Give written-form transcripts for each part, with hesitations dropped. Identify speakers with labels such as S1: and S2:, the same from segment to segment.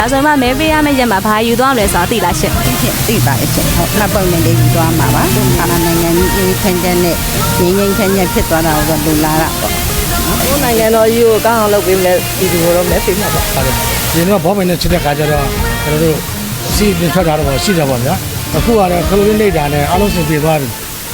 S1: ဒါဆိုမှမဲပေးရမယ့်ရက်မှာဘာယူသွားမလဲဆိုတာသိလားရှင့်
S2: သိပါတယ်ရှင့်ဟုတ်မှတ်ပုံနဲ့လေးယူသွားမှာပါနိုင်ငံကြီးအေးချမ်းချမ်းနဲ့ငြိမ်းငြိမ်းချမ်းချမ်းဖြစ်သွားတာကိုလူလာတာပေါ့
S3: ကိုနိုင်ငံတော်ကြီးကိုကောင်းအောင်လုပ်ပေးမယ်ဒီလိုတော့မဲပေးမှာပါ
S4: ဟုတ်တယ်ဒီတော့ဘောမင်းနဲ့ချစ်တဲ့ခါကျတော့ကျွန်တော်တို့စီးပြင်ထွက်တာတော့ရှိတယ်ပေါ့ဗျာအခုကတော့ခလုလေးနေတာနဲ့အားလုံးစင်ပြေသွားပြီ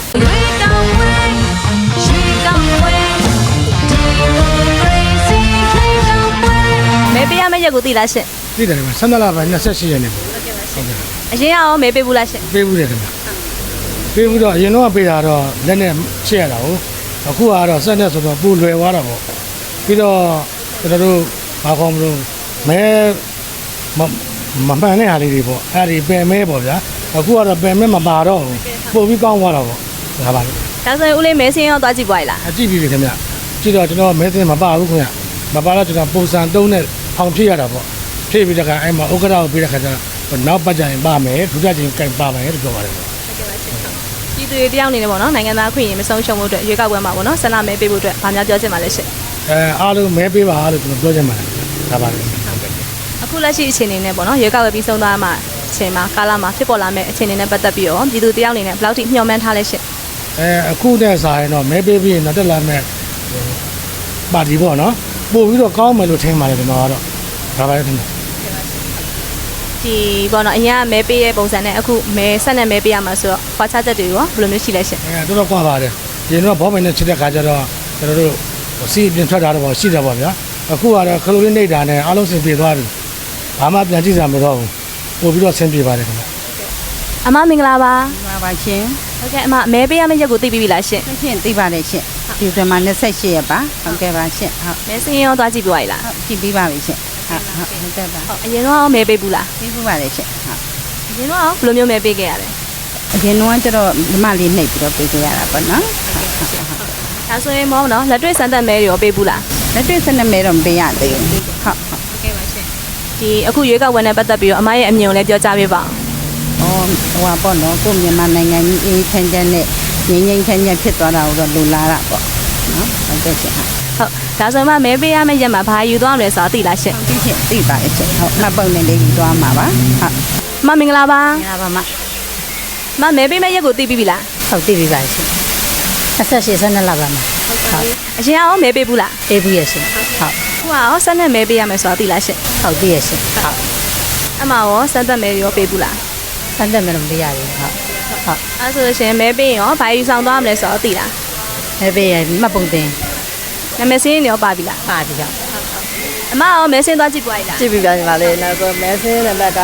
S1: မဲပေးရမယ့်ရက်ကိုသိလားရှင့်
S4: သိတယ်ဗျ12လပိုင်း28ရက်နေ့ပေါ့
S1: ဟုတ်ကဲ့ပါရှင့်အရင်ရောမဲပေးဘူးလားရှင့်
S4: ပေးဘူးတယ်ခင်ဗျပေးဘူးတော့အရင်တော့ပေးတာတော့လက်နဲ့ချက်ရတာဟုတ်အခုကတော့ဆက်နဲ့ဆိုတော့ပူလွယ်သွားတာပေါ့ပြီးတော့ကျွန်တော်တို့ဘာခေါ်မလို့မဲမမှန်တဲ့ဟာလေးတွေပေါ့အဲ့ဒီပင်မဲပေါ့ဗျာအခုကတော့ပင်မဲမပါတော့ဘူးပို့ပြီးကောင်းသွားတာပေါ့ဒါပါလေ
S1: ဒါဆိုရင်ဦးလေးမဲစင်းရောသွားကြည့်ပွားရလား
S4: ကြည့်ပြီခင်ဗျကြည့်တော့ကျွန်တော်မဲစင်းမပါဘူးခင်ဗျမပါတော့ကျွန်တော်ပုံစံ3နဲ့ဖောင်ဖြည့်ရတာပေါ့ဖြည့်ပြီးတဲ့ခါအဲ့မှာဥက္ကဋ္ဌကိုပြီးတဲ့ခါကျတော့နောက်ပတ်ကြရင်ပါမယ်ဒုတိယချိန်ကင်ပါမယ်လို့ပြောပါတယ်ပေါ့
S1: ပြည်သူတွေတယောက်အနေနဲ့ပေါ့နော်နိုင်ငံသားခွင့်ရင်မဆုံးရှုံးဖို့အတွက်ရွေးကောက်ပွဲမှာပေါ့နော်ဆန္ဒမဲပေးဖို့အတွက်ဗာများပြောချင်ပါလဲရှင့်
S4: အားလုံးမဲပေးပါလို့ကျွန်တော်ပြောချင်ပါတယ်ဒါပါလေ
S1: အခုလက်ရှိအခြေအနေနဲ့ပေါ့နော်ရွေးကောက်ပွဲပြီးဆုံးသွားမှအချိန်မှာကာလမှာဖြစ်ပေါ်လာမယ့်အခြေအနေနဲ့ပတ်သက်ပြီးတော့ပြည်သူတယောက်အနေနဲ့ဘယ်လောက်ထိမျှော်မှန်းထားလဲရှင့်
S4: အခုနဲ့စာရင်တော့မဲပေးပြီးရင်တော့တက်လာမယ့်ပါတီပေါ့နော်ပို့ပြီးတော့ကောင်းမယ်လို့ထင်ပါတယ်ကျွန်တော်ကတော့ဒါပါလေထင်တယ်
S1: ဒီပေါ့နော်အရင်ကမဲပေးရဲ့ပုံစံနဲ့အခုမဲဆက်နဲ့မဲပေးရမှာဆိုတော့ခွာခြားချက်တွေရောဘယ်လိုမျိုးရှိလဲရှင့်
S4: တော်တော်ကွာပါတယ်ဒီတော့ဘောမင်းနဲ့ချစ်တဲ့ခါကျတော့ကျွန်တော်တို့စီးပြင်ထွက်တာတော့ရှိတယ်ပေါ့ဗျာအခုကတော့ခလုလေးနေတာနဲ့အားလုံးစင်ပြေသွားပြီဘာမှပြန်ကြည့်စရာမလိုတော့ဘူးပို့ပြီးတော့ဆင်ပြေပါတယ်ခင်ဗျ
S1: အမမင်္ဂလာပါ
S2: ပါရှင်
S1: ဟုတ်ကဲ့အမမဲပေးရမယ့်ရက်ကိုသိပြီလားရှင့်
S2: ရှင့်သိပါတယ်ရှင့်ဒီဇင်ဘာ28ရက်ပါဟုတ်ကဲ့ပါရှင့်ဟုတ်
S1: မဲစင်းရောသွားကြည့်ပြရည်လား
S2: ဟုတ်ကြည့်ပြီးပါပြီရှင့်ဟုတ်ကဲ့ပါ
S1: အရင်တော့မဲပေးဘူးလား
S2: ပေးဘူးပါတယ်ရှင့်ဟုတ်
S1: အရင်တော့ဘယ်လိုမျိုးမဲပေးခဲ့ရလဲ
S2: အရင်တော့ကျတော့ဒီမလေးနှိပ်ပြီးတော့ပေးခဲ့ရတာပေါ့နော်
S1: ဒါဆိုရင်မောနော်လက်တွေ့စမ်းသပ်မဲတွေရောပေးဘူးလား
S2: လက်တွေ့စမ်းသပ်မဲတော့မပေးရသေးဘူးဟုတ်
S1: ကဲ့ပါရှင့်ဒီအခုရွေးကောက်ပွဲနဲ့ပတ်သက်ပြီးတော့အမရဲ့အမြင်ကိုလည်းပြောကြားပေးပါ
S2: အောင်ဟိုပါနော်ကိုမြန်မာနိုင်ငံကြီးအေးချမ်းချမ်းနဲ့ငြိမ်းငြိမ်းချမ်းချမ်းဖြစ်သွားတာကိုတော့လူလာတာပေါ့နော်ဟုတ်ကဲ့ရှင်
S1: ဟုတ်ဒါဆိုမှမဲပေးရမယ့်ရက်မှာဘာယူသွားမလဲဆိုတာသိလားရှင့်
S2: သိပါတယ်ရှင်ဟုတ်မှတ်ပုံနဲ့လေးယူသွားမှာပါဟုတ်
S1: မင်္ဂလာပါ
S2: မင်္ဂလာပါ
S1: မမဲပေးမယ့်ရက်ကိုသိပြီလား
S2: ဟုတ်သိပြီပါရှင်28 12လပါမှာ
S1: ဟုတ်အရင်ရောမဲပေးဘူးလား
S2: ပေးဘူးရရှင်ဟုတ်
S1: ခုကရောဆက်နဲ့မဲပေးရမယ်ဆိုတာသိလားရှင့်
S2: ဟုတ်သိရရှင်ဟုတ်
S1: အမရောဆက်သက်မဲရောပေးဘူးလား
S2: စမ်းသက်မဲတော့မပေးရဘူးဟုတ်
S1: အဲ့ဆိုရှင်မဲပေးရင်ရောဘာယူဆောင်သွားမလဲဆိုတော့သိလား
S2: မဲပေးရမှတ်ပုံတင်
S1: နာမည်စင်းရောပါပြီလား
S2: ပါပြီဟုတ်
S1: အမရောမဲစင်းသွားကြည့်ပွားရည်လား
S3: ကြည့်ပြီးပြန်ပါလေနောက်ဆိုမဲစင်းနံပါတ်က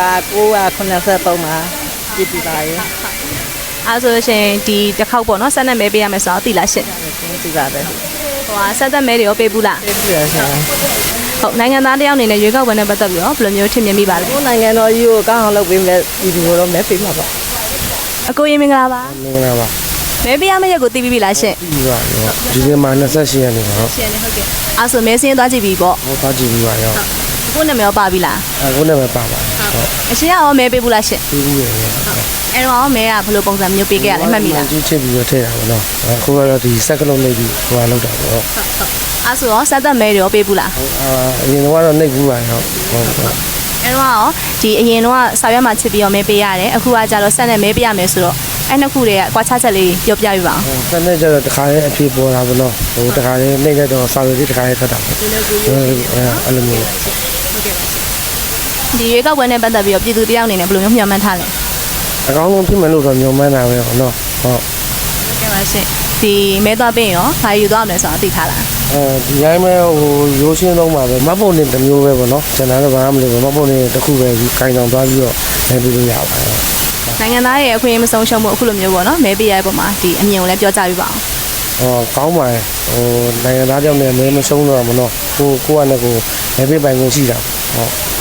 S3: 983မှာကြည့်ပြီးပါရေ
S1: အဲ့ဆိုရှင်ဒီတစ်ခေါက်ပေါ့နော်ဆက်နဲ့မဲပေးရမယ်ဆိုတော့သိလားရှင့်
S3: သိပါတယ်
S1: ဟိုကဆက်သက်မဲတွေရောပေးဘူးလား
S3: ပေးပြီရှင်
S1: ဟုတ်နိုင်ငံသားတယောက်အနေနဲ့ရွေးကောက်ပွဲနဲ့ပတ်သက်ပြီးတော့ဘယ်လိုမျိုးထင်မြင်မိပါလဲ
S3: ကိုနိုင်ငံတော်ကြီးကိုကောင်းအောင်လုပ်ပေးမယ်ဒီလိုတော့မဲပေးမှာပါ
S1: အကိုရင်မင်္ဂလာပါ
S4: မင်္ဂလာပါ
S1: မဲပေးရမယ့်ရက်ကိုသိပြီလားရှင့်
S4: ပြီးပါရောဒီနေ့မှာ28ရက်နေ့ပါဟုတ်
S1: ရှင်းနေဟုတ်ကဲ့အဲ့ဆိုမဲစင်းသွားကြည့်ပြီပေါ့
S4: ဟုတ်သွားကြည့်ပြီးပါရော
S1: ကိုနာမည်ရောပါပြီလား
S4: ကိုနာမည်ပါပါ
S1: ဟုတ်အရှင်ရောမဲပေးဘူးလားရှင့်
S4: ပေးဘူးရယ်
S1: အဲ့တော့မဲကဘယ်လိုပုံစံမျိုးပေးခဲ့ရလဲမှတ်မိလား
S4: ကြီးချစ်ပြီးတော့ထည့်တာပေါ့နော်အခုကတော့ဒီစက်ကလုံးနေပြီးဟိုလောက်တာပေါ့ဟုတ်
S1: အဲ့ဆိုရောဆက်သက်မဲတွေရောပေးဘူးလား
S4: အရင်ကတော့နှိပ်ဘူးပါရောဟုတ်
S1: အဲ့တော့ဒီအရင်တော့ဆောက်ရွက်မှာချစ်ပြီးတော့မဲပေးရတယ်အခုကကြတော့ဆက်နဲ့မဲပေးရမယ်ဆိုတော့အဲ့နှစ်ခုတွေကကွာခြားချက်လေးပြောပြပြပါအောင်
S4: ဆက်နဲ့ကျတော့တခါလေးအဖြစ်ပေါ်တာပေါ့နော်ဟိုတခါလေးနှိပ်လိုက်တော့ဆောက်ရွက်လေးတခါလေးထွက်တာပေါ့အဲ့လိုမျိုး
S1: ဟုတ်ကဲ့ပါဒီရွေးကောက်ပွဲနဲ့ပတ်သက်ပြီးတော့ပြည်သူတယောက်အနေနဲ့ဘယ်လိုမျိုးမျှော်မှန်းထားလဲ
S4: အကောင်းဆုံးဖြစ်မယ်လို့တော့မျှော်မှန်းတာပဲပေါ့နော်ဟုတ်
S1: ကဲ့ပါရှင်ဒီမဲသွားပြင်ရောဘာယူသွားမလဲဆိုတာသိထားလား
S4: ဒီတိုင်းပဲဟိုရိုးရှင်းဆုံးပါပဲမတ်ပုံနေတစ်မျိုးပဲပေါ့နော်ကျွန်တော်တော့ဘာမှမလုပ်ဘူးမတ်ပုံနေတစ်ခုပဲခိုင်ဆောင်သွားပြီးတော့မဲပေးလို့ရပါတယ်
S1: နိုင်ငံသားရဲ့အခွင့်အရေးမဆုံးရှုံးမှုအခုလိုမျိုးပေါ့နော်မဲပေးရတဲ့ပုံမှာဒီအမြင်ကိုလည်းပြောကြပြပါအောင်
S4: ကောင်းပါတယ်ဟိုနိုင်ငံသားကြောင့်လည်းမဲမဆုံးတော့မနော်ကိုကလည်းကိုမဲပေးပိုင်ခွင့်ရှိတာဟုတ်